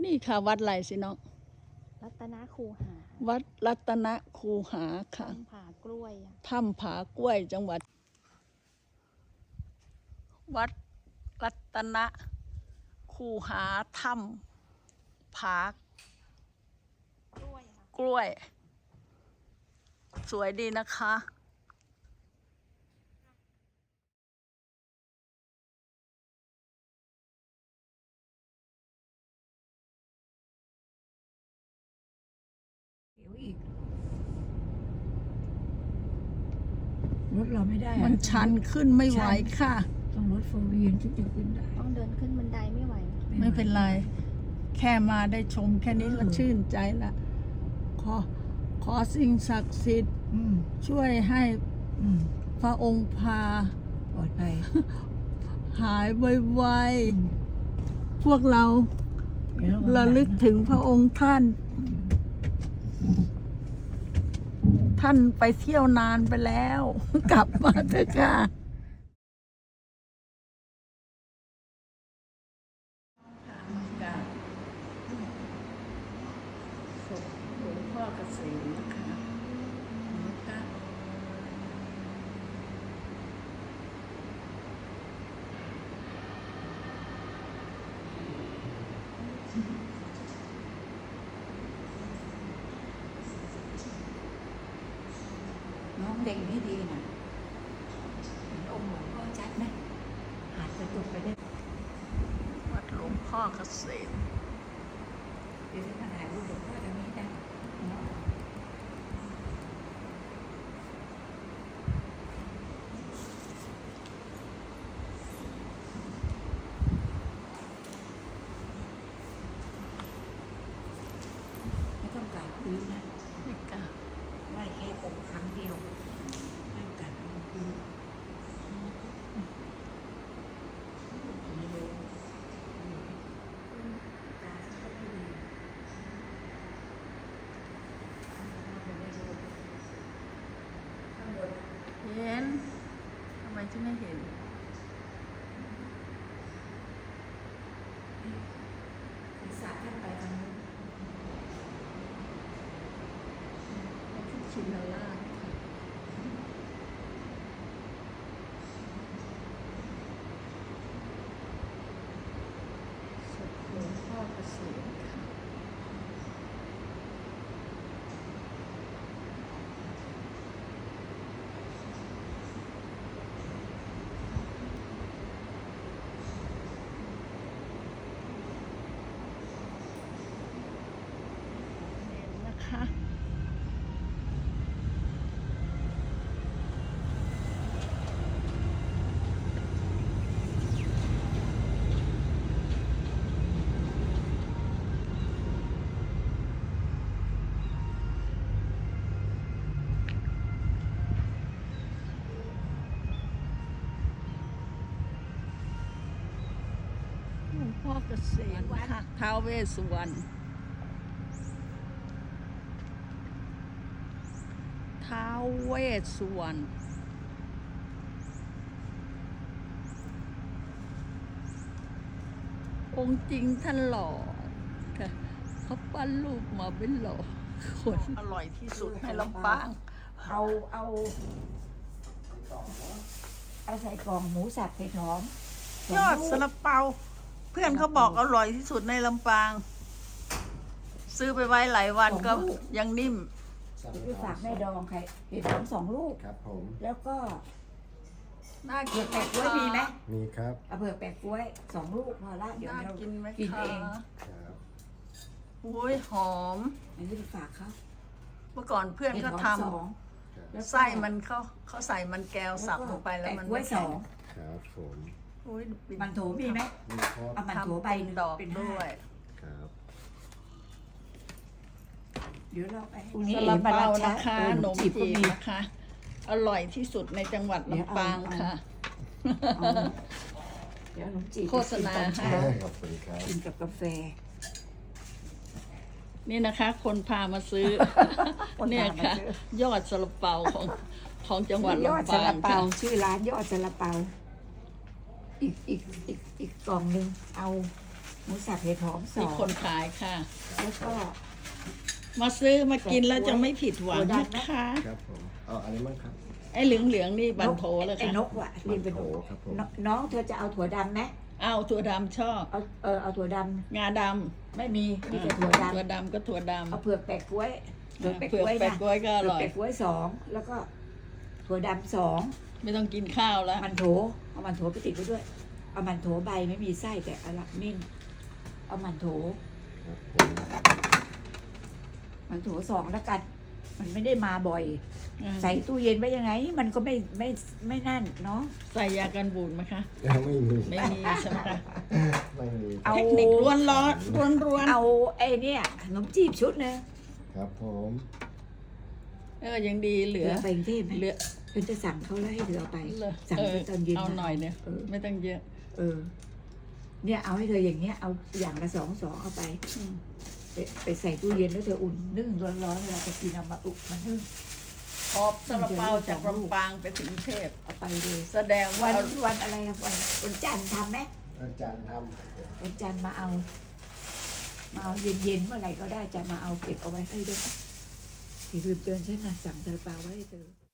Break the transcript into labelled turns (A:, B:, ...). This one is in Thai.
A: นี่ค่ะวัดไรสิน้อง
B: รัตนคูหา
A: วัดรัตนคูหาค่ะ
B: ถ้ำผากล้วย
A: ถ้ำผากล้วยจังหวัดวัดรัตนคูหาถ้ำผากล้วยสวยดีนะคะ
C: เดี๋ยวอีกรถเราไม่ได้
A: มันชันขึ้นไม่ไหวค่ะ
C: ต้องรถโฟร์วีนที่จะขึ้นได้
B: ต้องเดินขึ้นบันไดไม่ไหว
A: ไม่เป็นไรแค่มาได้ชมแค่นี้ก็ชื่นใจละขอสิ่งศักดิ์สิทธิ์ช่วยให้พระองค์พา
C: ปลอดภัย
A: หายไวๆพวกเราระลึกถึงพระองค์ท่านไปเที่ยวนานไปแล้ว กลับมาเถอะค่ะศพหลวงพ่อเกษมนะคะ
C: น้องเด็กนี่ดีนะเห็นองค์หลวงพ่อชัดไหมอาจจะตกไปได้
A: วัดหลวงพ่อเกษม
C: เดี๋ยวจะถ่ายรูปหลวงพ่อตรงนี้ได้ไม่ต้องการพื้นนะ
A: ไม่กล้า
C: ไหว้แค่องค์ครั้งเดียวไม่ต้องการพื้น
A: เห็นทำไมจะไม่เห็น
C: ศีรษะท่านไปทางนู้น
A: ชินราชศพหลวงพ่อเกษมค่ะเห็นนะคะหลวงพ่อเกษมค่ะท้าวเวสสุวรรณท้าวเวสสุวรรณองค์จริงท่านหล่อค่ะเขาปั้นรูปมาเป็นหล่อคนอร่อยที่สุดในลำปาง
C: เอาใส่กล่องหมูสับเผ็ดหอม
A: ยอดซาลาเปาเพื่อนเขาบอกอร่อยที่สุดในลำปางซื้อไปไว้หลายวันก็ยังนิ่ม
C: ไปฝากแม่ดองใครเห็ดหอม2 ลูก
D: ครับผม
C: แล้วก็
A: น่ากิน
C: แปะกล้วยมีไหม
D: มีครับ
C: เผือกแปะกล้วย2 ลูกพอละเดี๋ยวเรากินเอง
D: ครับ
A: อุ้ยหอม
C: อันนี้ไปฝากเขา
A: เมื่อก่อนเพื่อนก็ทำไส้มันเขาใส่มันแก้วสับลงไปแล้วมัน
C: กล้วย2
D: ครับผม
C: มันโถมีไหมเอามันโถใบ
A: ดอกด้วย
D: ครับ
C: เดี๋ยวเราไป
A: ซาลาเปานะคะขนมจีบนะคะอร่อยที่สุดในจังหวัดลำปางค่ะ
C: เดี๋ยวขนมจีบ
A: โฆษณาค่ะ
D: ขอบคุณครับ
C: กินกับกาแฟ
A: นี่นะคะ คนพามาซื้อเนี่ยค่ะยอดซาลาเปาของจังหวัดลำปางค่ะ
C: ชื่อร้านยอดซาลาเปาอีกกล่องนึงเอาหมูสับเห็ดหอมส
A: มี
C: อง
A: คนขายค่ะ
C: แล้วก็
A: มาซื้อมากินแล้วจะไม่ผิดหวัง
C: ถั่ว
A: นะ
C: ดำไหม
A: คะ
D: ครับผมเอาอะไรบ้างครับ
A: ไอ้เหลืองๆนี่บันโถเลย
C: ไอ้
A: ค่ะ
C: นกว่ะเรียนเป็นน
D: บัน
C: ก
D: โถครับผม
C: น้องเธอจะเอาถั่วดำไหม
A: เอาถั่วดำชอบ
C: เอาถั่วด
A: งาด
C: ำไม่มี
A: ำ
C: มีแต่ถั่วด
A: ถั่วดำก็ถั่วด
C: ำเอาเผือกแปะกล้วย
A: ำ
C: เผือกแปะ
A: เผือก
C: กล้วย
A: แปะ
C: นะ
A: กล้วยก็อร่อย
C: เผืกแปะกล้วยสองแล้วก็ถั่วดำสอง
A: ไม่ต้องกินข้าวแล้ว
C: มันโถเอามันโถไปติดไว้ด้วย เอามันโถใบไม่มีไส้แต่เอาละมิ่นเอามันโถ
D: ครับผม
C: มันโถสองแล้วกัน มันไม่ได้มาบ่อย ใส่ตู้เย็นไว้ยังไง มันก็ไม่นั่นเนาะ
A: ใส่ยากันบูดไหมคะ
D: ไม่มี
A: ไม่มีใช่ไหมคะ
D: ไม่มี
C: เอา
A: เทคนิคล้วนร้อนล้วน
C: เอาไอ้เนี่ยขนมจีบชุดนึง
D: ครับผม
A: ยังดีเหลือ
C: ไปกรุงเทพไหม
A: เหลือ
C: เป็นจะสั่งเขาแล้วให้เธอเอาไป
A: เหลือ
C: สั่งไปตอนเย็น
A: เอา
C: มา
A: หน่อยเนี่ย
C: เออ
A: ไม่ต้องเยอะ
C: เนี่ยเอาให้เธออย่างเงี้ยเอาอย่างละสองเอาไป
A: อืม
C: ไปใส่ตู้เย็นแล้วเธออุ่นนึ่งร้อนๆเวลาจะกินเอามาอุ่นมันนึ่ง
A: หอบซาลาเปาจากลำปางไปถึงเทพ
C: เอาไปเลย
A: แสดง
C: วั
A: ว่าน
C: วันอะไรอะวันจันทร์ทำไหม
D: อาจารย์ท
C: วันจันทร์มาเอาเย็นๆเมื่อไหร่ก็ได้จะมาเอาเก็บเอาไว้ให้ด้วยที่ลืมเตือนฉันนะสั่งซาลาเปาไว้ให้เธอ